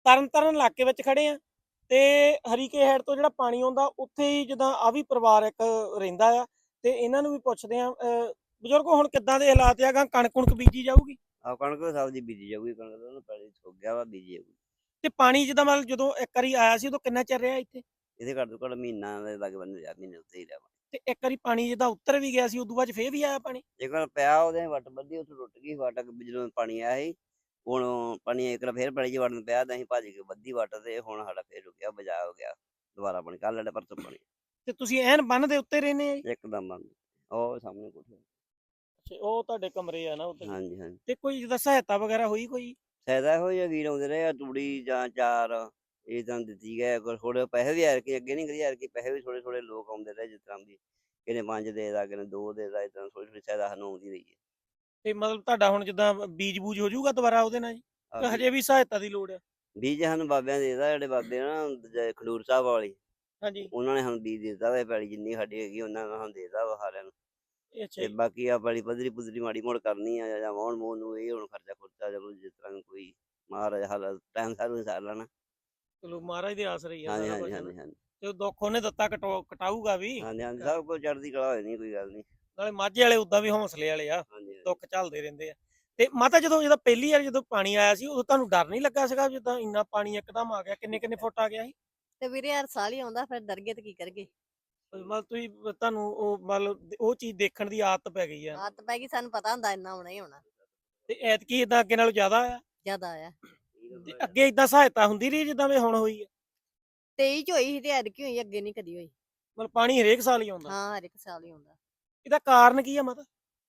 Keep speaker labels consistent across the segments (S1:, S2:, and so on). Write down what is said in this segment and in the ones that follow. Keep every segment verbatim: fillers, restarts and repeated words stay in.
S1: ਤਰਨਤਾਰਨ ਇਲਾਕੇ ਵਿੱਚ ਖੜੇ ਆ ਤੇ ਹਰੀਕੇ ਹੈਡ ਤੋਂ ਜਿਹੜਾ ਪਾਣੀ ਆਉਂਦਾ ਉੱਥੇ ਹੀ ਜਿੱਦਾਂ ਆ ਵੀ ਪਰਿਵਾਰ ਇੱਕ ਰਹਿੰਦਾ ਆ ਤੇ ਇਹਨਾਂ ਨੂੰ ਵੀ ਪੁੱਛਦੇ ਆ। ਬਜ਼ੁਰਗੋ ਹੁਣ ਕਿੱਦਾਂ ਦੇ ਹਾਲਾਤ ਆ? ਕਣਕ ਕੁਣਕ ਬੀਜੀ ਜਾਊਗੀ?
S2: ਆ ਕਣਕ ਸਬਜ਼ੀ ਬੀਜੀ ਜਾਊਗੀ, ਕਣਕ ਤਾਂ ਪਹਿਲੇ ਸੁੱਕ ਗਿਆ ਵਾ, ਬੀਜੀ ਜਾਊਗੀ।
S1: ਤੇ ਪਾਣੀ ਜਿੱਦਾਂ ਮਤਲਬ ਜਦੋਂ ਇੱਕ ਵਾਰੀ ਆਇਆ ਸੀ ਉਦੋਂ ਕਿੰਨਾ ਚਿਰ ਰਿਹਾ ਇੱਥੇ?
S2: ਇਹਦੇ ਘੱਟ ਤੋਂ ਘੱਟ ਮਹੀਨਾ ਦੇ ਲੱਗ ਬੰਦੇ ਆ, ਮਹੀਨੇ ਉੱਤੇ ਹੀ ਰਿਹਾ ਵਾ।
S1: ਤੇ ਇੱਕ ਵਾਰੀ ਪਾਣੀ ਜਿੱਦਾਂ ਉੱਤਰ ਵੀ ਗਿਆ ਸੀ ਉਦੋਂ ਬਾਅਦ ਫੇਰ ਵੀ ਆਇਆ ਪਾਣੀ?
S2: ਇੱਕ ਵਾਰ ਪਿਆ ਉਹਦੇ ਵੱਟ ਬੱਧੀ, ਉੱਥੇ ਟੁੱਟ ਗਈ ਵੱਟ, ਜਦੋਂ ਪਾਣੀ ਆਇਆ ਸੀ। ਹੁਣ ਪਾਣੀ ਇੱਕ ਵਾਰ ਫੇਰ ਪੈਲੀ 'ਚ ਵੜਨ ਪਿਆ ਤਾਂ ਅਸੀਂ ਭੱਜ ਕੇ ਬੱਧੀ ਵੱਟ ਤੇ ਹੁਣ ਸਾਡਾ ਫੇਰ ਰੁਕਿਆ, ਬਚਾਅ ਹੋ ਗਿਆ। ਦੁਬਾਰਾ ਪਾਣੀ ਕੱਲ੍ਹ ਵਾਲੇ ਪਰਸੋਂ ਪਾਣੀ
S1: ਤੇ ਤੁਸੀਂ ਐਨ ਬੰਨ ਦੇ ਉੱਤੇ ਰਹਿੰਦੇ ਆ ਜੀ?
S2: ਇੱਕਦਮ ਬੰਦ। ਉਹ ਸਾਹਮਣੇ ਕੋਠੇ।
S1: ਅੱਛਾ, ਉਹ ਤੁਹਾਡੇ ਕਮਰੇ ਆ ਨਾ ਉੱਤੇ?
S2: ਹਾਂਜੀ ਹਾਂਜੀ।
S1: ਤੇ ਕੋਈ ਜਿੱਦਾਂ ਸਹਾਇਤਾ ਵਗੈਰਾ ਹੋਈ ਕੋਈ?
S2: ਫਾਇਦਾ ਇਹੋ ਜਿਹਾ ਵੀਰ ਆਉਂਦੇ ਰਹੇ ਆ, ਤੂੜੀ ਜਾਂ ਚਾਰ ਇਹ ਤਾਂ ਦਿੱਤੀ ਗਏ, ਥੋੜੇ ਪੈਸੇ ਵੀ ਐਰ ਕੇ ਅੱਗੇ ਨਹੀਂ ਕਰੀ, ਐਰ ਕੇ ਪੈਸੇ ਵੀ ਥੋੜੇ ਥੋੜੇ ਲੋਕ ਆਉਂਦੇ ਰਹੇ, ਜਿਸ ਤਰ੍ਹਾਂ ਵੀ ਕਿਨੇ ਪੰਜ ਦੇ ਦਾ, ਕਿਨੇ ਦੋ ਦੇ ਦਾ, ਇਸ ਤਰ੍ਹਾਂ ਥੋੜੀ ਥੋੜੀ ਸਹਾਇਤਾ ਸਾਨੂੰ ਆਉਂਦੀ ਰਹੀ ਹੈ।
S1: ਤੇ ਮਤਲਬ ਤੁਹਾਡਾ ਹੁਣ ਜਿੱਦਾਂ ਬੀਜ ਬੂਜ ਹੋ ਜਾਊਗਾ ਦੁਬਾਰਾ ਉਹਦੇ ਨਾਲ ਜੀ,
S2: ਆਹ
S1: ਕਿ ਹਜੇ ਵੀ ਸਹਾਇਤਾ ਦੀ ਲੋੜ ਆ?
S2: ਬੀਜ ਸਾਨੂੰ ਬਾਬਿਆਂ ਦੇ ਦਾ, ਜਿਹੜੇ ਬਾਬੇ ਨਾ ਦੂਜੇ ਖਡੂਰ ਸਾਹਿਬ ਵਾਲੀ,
S1: ਹਾਂਜੀ।
S2: ਉਹਨਾਂ ਨੇ ਸਾਨੂੰ ਬੀਜ ਦਿੱਤਾ ਵਾ, ਪੈਲੀ ਜਿੰਨੀ ਸਾਡੀ ਹੈਗੀ ਉਹਨਾਂ ਨੇ ਸਾਨੂੰ ਦੇਤਾ ਵਾ ਸਾਰਿਆਂ ਨੂੰ।
S1: ਅੱਛਾ
S2: ਤੇ
S1: ਜੀ।
S2: ਬਾਕੀ ਆ ਪੈਲੀ ਪੱਧਰੀ ਪੁੱਧਰੀ ਮਾੜੀ ਮੋੜ ਕਰਨੀ ਆ ਜਾਂ ਵਾਹੁਣ ਮੂਣ ਨੂੰ, ਇਹ ਹੁਣ ਖਰਚਾ ਖੁਰਚਾ ਚਲੋ ਜਿਸ ਤਰ੍ਹਾਂ ਕੋਈ ਮਹਾਰਾਜ ਹਾਲ ਟਾਈਮ ਸਾਰੂ ਸਾਰ ਲੈਣਾ।
S1: ਚਲੋ ਮਹਾਰਾਜ ਦੇ ਆਸਰੇ ਹੀ ਆ
S2: ਹਾਂਜੀ
S1: ਸਾਰਾ
S2: ਹਾਂਜੀ
S1: ਕੁਝ।
S2: ਹਾਂਜੀ ਹਾਂਜੀ
S1: ਤੇ ਦੁੱਖ ਉਹਨੇ ਦਿੱਤਾ ਕਟਾਊ ਕਟਾਊਗਾ ਵੀ।
S2: ਹਾਂਜੀ ਹਾਂਜੀ, ਸਭ ਕੁਝ ਚੜ੍ਹਦੀ ਕਲਾ ਹੋਈ, ਨਹੀਂ ਕੋਈ ਗੱਲ ਨਹੀਂ।
S1: ਨਾਲੇ ਮਾਝੇ ਵਾਲੇ ਉਦਾਂ ਵੀ ਹੌਸਲੇ ਵਾਲੇ ਆ,
S2: ਹਾਂਜੀ ਹਾਂਜੀ।
S1: ਦੁੱਖ ਝੱਲਦੇ ਰਹਿੰਦੇ ਆ। ਤੇ ਮਾਤਾ ਜਦੋਂ ਜਦੋਂ ਪਹਿਲੀ ਵਾਰ ਜਦੋਂ ਪਾਣੀ ਆਇਆ ਸੀ ਉਦੋਂ ਤੁਹਾਨੂੰ ਡਰ ਨਹੀਂ ਲੱਗਾ ਸੀਗਾ ਜਿੱਦਾਂ ਇੰਨਾ ਪਾਣੀ ਇੱਕਦਮ ਆ ਗਿਆ? ਕਿੰਨੇ ਕਿੰਨੇ ਫੁੱਟ ਆ ਗਿਆ ਸੀ?
S3: ਤੇ ਵੀਰੇ ਯਾਰ ਸਾਲ ਹੀ ਆਉਂਦਾ, ਫਿਰ ਡਰ ਗਏ ਤੇ ਕੀ ਕਰਗੇ।
S1: ਮਤਲਬ ਤੁਸੀਂ ਤੁਹਾਨੂੰ ਉਹ ਮਤਲਬ ਉਹ ਚੀਜ਼ ਦੇਖਣ ਦੀ ਆਦਤ ਪੈ ਗਈ ਆ?
S3: ਆਦਤ ਪੈ ਗਈ, ਸਾਨੂੰ ਪਤਾ ਹੁੰਦਾ ਇੰਨਾ ਹੋਣਾ ਹੀ ਹੋਣਾ।
S1: ਤੇ ਐਤਕੀ ਇਦਾਂ ਅੱਗੇ ਨਾਲੋਂ ਜ਼ਿਆਦਾ ਆ?
S3: ਜ਼ਿਆਦਾ ਆਇਆ।
S1: ਤੇ ਅੱਗੇ ਇਦਾਂ ਸਹਾਇਤਾ ਹੁੰਦੀ ਰਹੀ ਜਿੱਦਾਂ ਵੀ ਹੁਣ ਹੋਈ ਹੈ?
S3: ਤੇਈ ਚ ਹੋਈ ਸੀ ਤੇ ਐਤਕੀ ਹੋਈ, ਅੱਗੇ ਨਹੀਂ ਕਦੀ ਹੋਈ।
S1: ਮਤਲਬ ਪਾਣੀ ਹਰੇਕ ਸਾਲ ਹੀ ਆਉਂਦਾ?
S3: ਹਾਂ, ਹਰ ਇੱਕ ਸਾਲ ਹੀ ਆਉਂਦਾ।
S1: ਇਹਦਾ ਕਾਰਨ ਕੀ ਆ ਮਾਤਾ?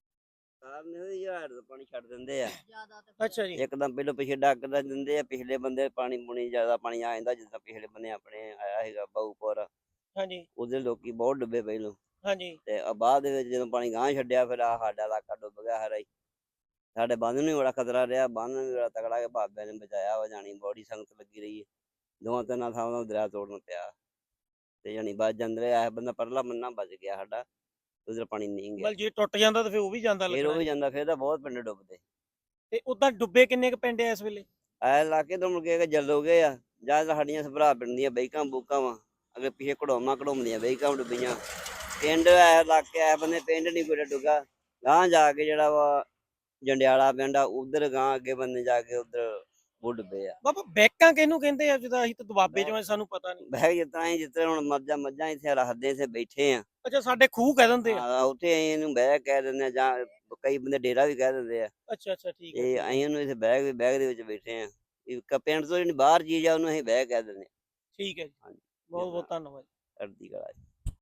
S2: ਕਾਰਨ ਇਹ ਯਾਰ ਦਾ ਪਾਣੀ ਛੱਡ ਦਿੰਦੇ ਆ
S3: ਜ਼ਿਆਦਾ ਤੇ
S1: ਅੱਛਾ ਜੀ।
S2: ਇੱਕਦਮ, ਪਹਿਲੋਂ ਪਿਛੇ ਡੱਕ ਦਾ ਦਿੰਦੇ ਆ, ਪਿਛਲੇ ਬੰਦੇ ਪਾਣੀ ਪੂਣੀ ਜ਼ਿਆਦਾ ਪਾਣੀ ਆ ਜਾਂਦਾ, ਜਿੱਦਾਂ ਪਿਛਲੇ ਬੰਦੇ ਆਪਣੇ ਆਇਆ ਸੀਗਾ ਬਾਊਪੁਰ,
S1: ਹਾਂਜੀ
S2: ਉਹਦੇ ਲੋਕੀ ਬਹੁਤ ਡੁੱਬੇ ਪਹਿਲੋਂ।
S1: ਹਾਂਜੀ।
S2: ਤੇ ਆ ਬਾਅਦ ਦੇ ਵਿੱਚ ਜਦੋਂ ਪਾਣੀ ਗਾਂਹ ਛੱਡਿਆ, ਫਿਰ ਆ ਸਾਡਾ ਇਲਾਕਾ ਡੁੱਬ ਗਿਆ ਹਰਾ ਹੀ। ਸਾਡੇ ਬੰਦ ਨੂੰ ਵੀ ਬੜਾ ਖਤਰਾ ਰਿਹਾ, ਬੰਦ ਨੂੰ ਵੀ ਬੜਾ ਤਗੜਾ, ਕੇ ਬਾਬਿਆਂ ਨੇ ਬਚਾਇਆ ਵਾ, ਜਾਣੀ ਬੜੀ ਸੰਗਤ ਲੱਗੀ ਰਹੀ ਹੈ। ਦੋਵਾਂ ਤਿੰਨਾਂ ਥਾਵਾਂ ਤੋਂ ਦਰਿਆ ਤੋੜਨ ਪਿਆ ਤੇ ਜਾਣੀ ਬਚ ਜਾਂਦੇ ਆ। ਬੰਦਾ ਪਰਲਾ ਮੰਨਾ ਬਚ ਗਿਆ ਸਾਡਾ, ਉਧਰ ਪਾਣੀ ਨਹੀਂ ਗਿਆ।
S1: ਮਤਲਬ ਜੇ ਟੁੱਟ ਜਾਂਦਾ ਤਾਂ ਫਿਰ ਉਹ ਵੀ ਜਾਂਦਾ
S2: ਫਿਰ ਉਹ
S1: ਲੱਗਣਾ?
S2: ਵੀ ਜਾਂਦਾ, ਫਿਰ ਤਾਂ ਬਹੁਤ ਪਿੰਡ ਡੁੱਬਦੇ।
S1: ਤੇ ਉਦਾਂ ਡੁੱਬੇ ਕਿੰਨੇ ਕੁ ਪਿੰਡ ਆ ਇਸ ਵੇਲੇ?
S2: ਐ ਇਲਾਕੇ ਤੋਂ ਮੁੜ ਕੇ ਜਲ ਹੋ ਗਏ ਆ, ਜਾਂ ਤਾਂ ਸਾਡੀਆਂ ਸਭਰਾ ਪਿੰਡ ਦੀਆਂ ਬੈਕਾਂ ਬੂਕਾਂ ਵਾ, ਅਗੇ ਪਿੱਛੇ ਘੜੋਮਾ ਘੜੋਮਦੀਆਂ ਬੈਕਾਂ ਡੁੱਬੀਆਂ। ਪਿੰਡ ਐ ਇਲਾਕੇ ਐ ਬੰਦੇ ਪਿੰਡ ਨਹੀਂ ਕੋਈ ਡੁੱਗਾ, ਗਾਂਹ ਜਾ ਕੇ ਜਿਹੜਾ ਵਾ ਜੰਡਿਆਲਾ ਪਿੰਡ ਆ, ਉਧਰ ਗਾਂਹ ਅੱਗੇ ਬੰਦੇ ਜਾ ਕੇ ਉਧਰ ਉਹ ਡੁੱਬੇ ਆ।
S1: ਬਾਬਾ ਬੈਕਾਂ ਕਿਹਨੂੰ ਕਹਿੰਦੇ ਆ? ਜਿੱਦਾਂ ਅਸੀਂ ਤਾਂ ਦੁਆਬੇ ਚੋਂ ਆ, ਸਾਨੂੰ ਪਤਾ ਨਹੀਂ।
S2: ਬਹਿ ਜਿਸ ਤਰ੍ਹਾਂ ਜਿਸ ਤਰ੍ਹਾਂ ਹੁਣ ਮੱਝਾਂ ਮੱਝਾਂ ਇੱਥੇ ਰੱਖਦੇ, ਇੱਥੇ ਬੈਠੇ ਆ।
S1: ਅੱਛਾ, ਸਾਡੇ ਖੂਹ ਕਹਿ ਦਿੰਦੇ ਆ?
S2: ਹਾਂ, ਉੱਥੇ ਅਸੀਂ ਇਹਨੂੰ ਬਹਿ ਕਹਿ ਦਿੰਦੇ ਆ, ਜਾਂ ਕਈ ਬੰਦੇ ਡੇਰਾ ਵੀ ਕਹਿ ਦਿੰਦੇ ਆ।
S1: ਅੱਛਾ ਅੱਛਾ, ਠੀਕ ਹੈ।
S2: ਤੇ ਅਸੀਂ ਉਹਨੂੰ ਇੱਥੇ ਬੈਗ ਬੈਗ ਦੇ ਵਿੱਚ ਬੈਠੇ ਆ, ਪਿੰਡ ਤੋਂ ਜਿਹੜੀ ਬਾਹਰ ਚੀਜ਼ ਆ ਉਹਨੂੰ ਅਸੀਂ ਬਹਿ ਕਹਿ ਦਿੰਦੇ ਆ।
S1: ਠੀਕ ਹੈ ਜੀ,
S2: ਹਾਂਜੀ,
S1: ਬਹੁਤ ਬਹੁਤ ਧੰਨਵਾਦ।
S2: ਚੜ੍ਹਦੀ ਕਲਾ।